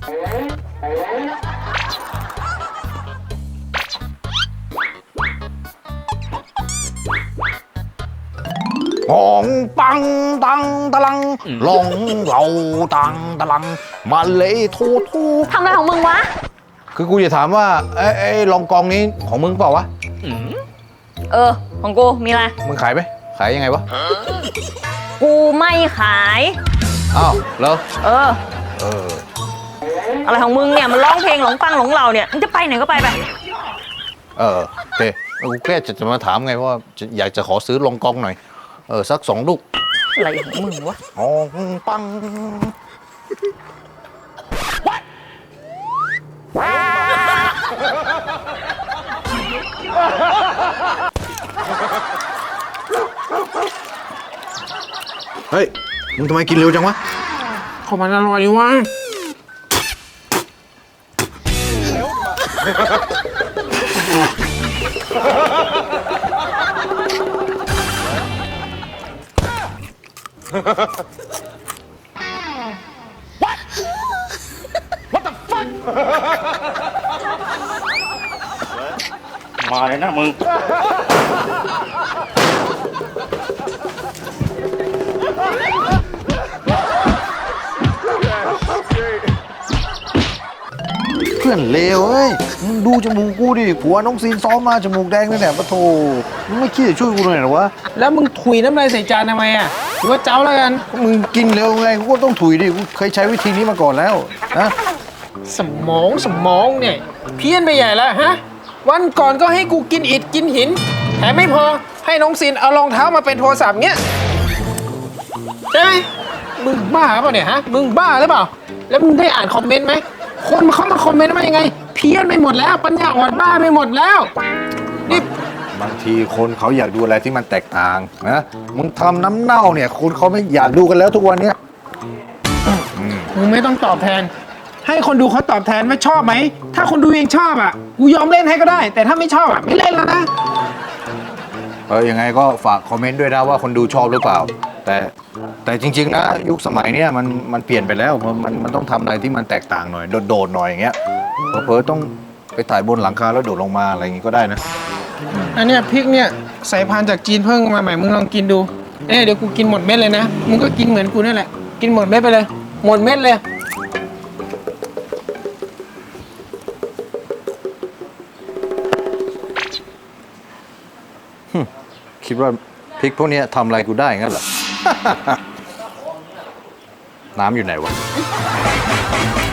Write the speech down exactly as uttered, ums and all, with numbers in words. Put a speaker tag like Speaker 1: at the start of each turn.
Speaker 1: หองปังตังตะลังลองเหล่าตังตะลังมาเลยทูทู
Speaker 2: ทำอะไรของมึงวะ
Speaker 1: คือกูจะถามว่าไอ้ไอ้ลองกองนี้ของมึงเปล่าวะ
Speaker 2: เออ ของกู มีอะไร
Speaker 1: มึงขายไหมขายยังไงวะ
Speaker 2: กูไม่ขาย
Speaker 1: อ้าวแล้ว
Speaker 2: เออ
Speaker 1: เออ
Speaker 2: อะไรของมึงเนี่ยมันร้องเพลงหลงปังหลงเราเนี่ยมึงจะไปไหนก็ไปไป
Speaker 1: เออโอเคกูแค่จะจะมาถามไงว่าจะอยากจะขอซื้อลองกองหน่อยเออสักสองลูก
Speaker 2: อะไรของมึงวะ
Speaker 1: หองปังเฮ้ยมึงทำไมกินเร็วจังวะ
Speaker 3: ขอมันอร่อยวะ
Speaker 4: มาเลยนะมึง
Speaker 1: เพื่อนเลวเอ้ยมึงดูจมูกกูดิผัวน้องซีนซ้อมมาจมูกแดงเลยเนี่ยปะโถมึงไม่คิดจะช่วยกูหน่อยเหรอวะ
Speaker 3: แล้วมึงถุยน้ำลายใส่จานทำไมอ่ะหรือว่าเจ้าแล้วกัน
Speaker 1: มึงกินเร็วไงกูก็ต้องถุยดิกูเคยใช้วิธีนี้มาก่อนแล้วนะ
Speaker 3: สมองสมองเนี่ยเพี้ยนไปใหญ่แล้วฮะ วันก่อนก็ให้กูกินอิฐกินหินแถมไม่พอให้น้องซินเอารองเท้ามาเป็นโทรศัพท์เงี้ยใช่ไหมมึงบ้าเปล่าเนี่ยฮะมึงบ้าหรือเปล่า แล้วมึงได้อ่านคอมเมนต์ไหมคนเขามาคอมเมนต์ว่ายังไง เพี้ยนไปหมดแล้วปัญญาอ่อนบ้าไปหมดแล้วนี่
Speaker 1: บางทีคนเขาอยากดูอะไรที่มันแตกต่างนะมึงทำน้ำเน่าเนี่ยคนเขาไม่อยากดูกันแล้วทุกวันเนี้ย
Speaker 3: มึงไม่ต้องตอบแทน ให้คนดูเขาตอบแทนว่าชอบไหมถ้าคนดูเองชอบอ่ะกูยอมเล่นให้ก็ได้ แต่ถ้าไม่ชอบอ่ะไม่เล่นแล้วนะ
Speaker 1: เออยังไงก็ฝากคอมเมนต์ด้วยนะว่าคนดูชอบหรือเปล่า แต่แต่จริง ๆนะยุคสมัยเนี้ยมันมันเปลี่ยนไปแล้วมันมันมันต้องทำอะไรที่มันแตกต่างหน่อยโดดๆหน่อยอย่างเงี้ยเผลอๆต้องไปถ่ายบนหลังคาแล้วโดดลงมาอะไรอย่างงี้ก็ได้นะ
Speaker 3: อันเนี้ยพริกเนี่ยสายพันธุ์จากจีนเพิ่งมาใหม่มึงลองกินดูเอ้ยเดี๋ยวกูกินหมดเม็ดเลยนะมึงก็กินเหมือนกูนั่นแหละกินหมดเม็ดไปเลย หมดเม็ดเลย
Speaker 1: คิดว่าพริกพวกเนี้ยทำอะไรกูได้งั้นเหรอ น้ำอยู่ไหนวะ